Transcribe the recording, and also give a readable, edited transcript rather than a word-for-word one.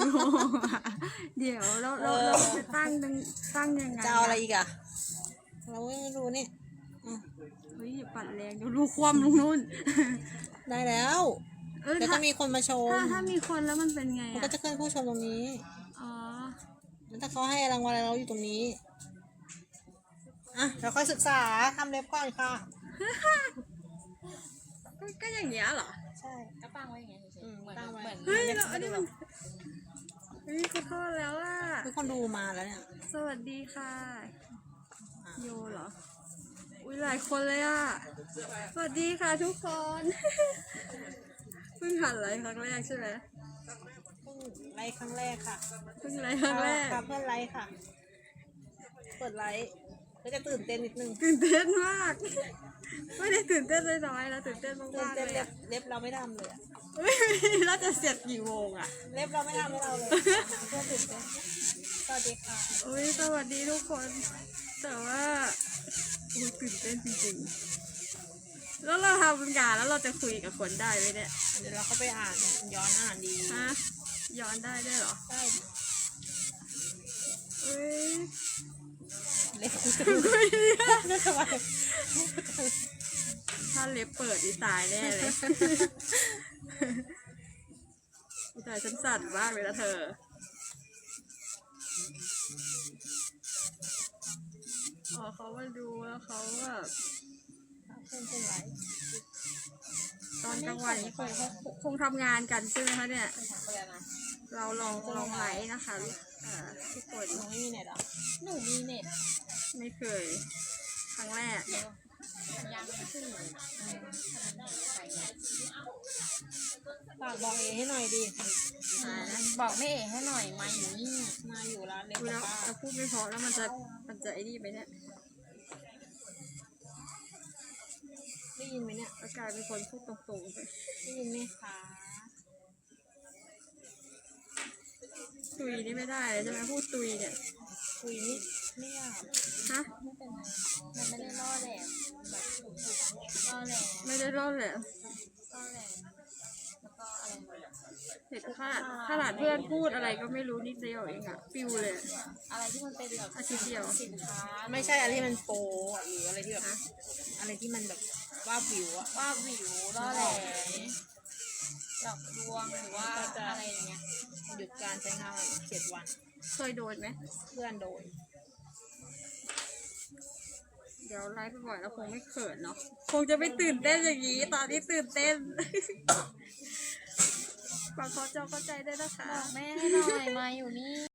เดี๋ยวเราจะตั้งยังไงจะเอาอะไรอีกอะเราไม่รู้นี่เฮ้ยปัดแรงเดี๋ยวรู้ความลงนู่นได้แล้วเดี๋ยวจะมีคนมาชมถ้ามีคนแล้วมันเป็นไงมันก็จะขึ้นผู้ชมตรงนี้อ๋อแล้วถ้าเขาให้รางวัลอะไรเราอยู่ตรงนี้เราค่อยศึกษาทำเล็บก่อนค่ะก็อย่างเงี้ยเหรอใช่ก็ตั้งไว้อย่างเงี้ยเฉยๆเหมือนเฮ้ยอันนี้มันขอโทษแล้วอ่ะทุกคนดูมาแล้วเนี่ยสวัสดีค่ะโยเหรออุ้ยหลายคนเลยอ่ะสวัสดีค่ะทุกคนเพิ่งหัดไลฟ์ครั้งแรกใช่ไหมเพิ่งไลฟ์ครั้งแรกค่ะเพิ่งไลฟ์ครั้งแรกเพื่อนไลฟ์ค่ะเปิดไลฟ์ก็จะตื่นเต้นนิดนึงตื่นเต้นมากไม่ได้ตื่นเต้นน้อยแล้วตื่นเต้นมากๆเลยเล็บเราไม่ทำเลยเราจะเสร็จกี่โมงอ่ะเล็บเราไม่ทำให้เราเลยเพื่อนตื่นเต้นสวัสดีค่ะอุ้ยสวัสดีทุกคนแต่ว่าตื่นเต้นจริงๆแล้วเราทำงานแล้วเราจะคุยกับคนได้ไหมเนี่ยเดี๋ยวเราเข้าไปย้อนอ่านดีฮะย้อนได้ด้วยเหรอได้เล็บถ้าเล็บเปิดอีตายแน่เลยอีตายฉันสั่นมากเลยนะเธอเขามาดูแล้วเขาแบบตอนกลางวันนี้คงทำงานกันใช่ไหมคะเนี่ยเราลองไลฟ์นะคะทุกคนหนูไม่มีเน็ตหรอหนูมีเน็ตไม่เคยครั้งแรกยังไม่ขึ้นฝากบอกเอให้หน่อยดิบอกแม่เอ๋ให้หน่อยมาอยู่นี่มาอยู่ร้านเล็บแล้วจะพูดไม่เพราะแล้วมันจะไอ้นี่ไปเนี่ยได้ยินไหมเนี่ยกลายเป็นคนพูดตรงๆไปได้ยินไหมคะตุยนี่ไม่ได้เลยใช่ไหมพูดตุยเนี่ยตุยนี่ไม่ยากฮะไม่เป็นไรมันไม่ได้ล่อแหลมแบบล่อแหลมไม่ได้ร่อนแหละล่อแหลมแล้วก็อะไรเห็นขนาดเพื่อนพูดอะไรก็ไม่รู้นิดเดียวเองอะปิวเลยอะไรที่มันเป็นแบบอาทิตย์เดียวสินค้าไม่ใช่อะไรที่มันโปหรืออะไรที่แบบอะไรที่มันแบบว่าวิวอะว่าวิวล่อแหลมหลอกลวงหรือว่าอะไรอย่างเงี้ยหยุดการใช้งาน7 วันเคยโดนไหมเพื่อนโดนเดี๋ยวไลฟ์ไปบ่อยแล้วคงไม่เขินเนาะคงจะไม่ตื่นเต้นอย่างนี้ตอนนี้ตื่นเต้นฝากขอจอเข้าใจได้นะคะบอกแม่ให้หน่อยมาอยู่นี่